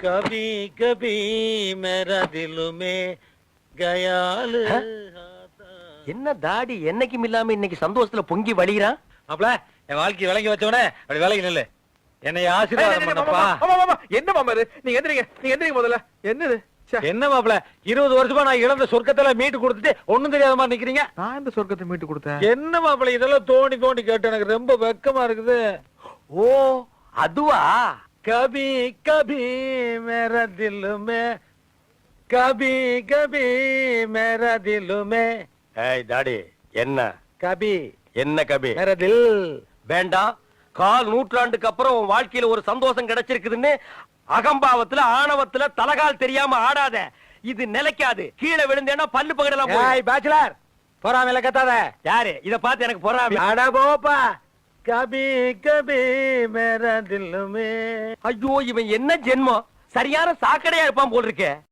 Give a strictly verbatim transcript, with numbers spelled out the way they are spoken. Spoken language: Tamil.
कभी कभी मेरा दिल में गयाल என்ன தாடி என்னைக்கும் இல்லாம இன்னைக்கு சந்தோஷத்துல பொங்கி வழிகிறான். மாப்ள என் வாழ்க்கை விளங்கி வச்சவனே அப்படி விலகி நில்லு. என்னை ஆசீர்வாதம் பண்ணப்பா. என்ன மாமா இது? நீங்க எந்திரிங்க, நீங்க எந்திரிங்க முதல்ல. என்னது? என்ன மாப்ள இருபது வருஷமா நான் இழந்த சொர்க்கத்துல மீட்டு கொடுத்துட்டு ஒண்ணும் தெரியாத மாதிரி நிக்கிறீங்க. நான் இந்த சொர்க்கத்தை மீட்டு கொடுத்தேன். என்ன மாப்ள இதெல்லாம் தோண்டி தோண்டி கேட்டு எனக்கு ரொம்ப வெக்கமா இருக்குது. ஓ அதுவா? கபி கபி மேரா தில் மே கபி கபி மேரா தில் மே. ஏய் தாடி என்ன கபி என்ன கபி? மேரா தில். வேண்டாம். கால் நூற்றாண்டுக்கு அப்புறம் உன் வாழ்க்கையில ஒரு சந்தோஷம் கிடைச்சிருக்குதுன்னு அகம்பாவத்துல ஆணவத்துல தலகால் தெரியாம ஆடாத. இது நிலைக்காது. கீழே விழுந்தேன்னா பல்லு பகடலாம். ஏய் பேச்சுலர் பொறாமையில கத்தாத. யாரு இத பார்த்து எனக்கு பொறாமை? அட போப்பா. கபி கபி மேரா தில் மே. ஐயோ இவன் என்ன ஜென்மம்? சரியான சாக்கடையா இருப்பான் போல் இருக்கே.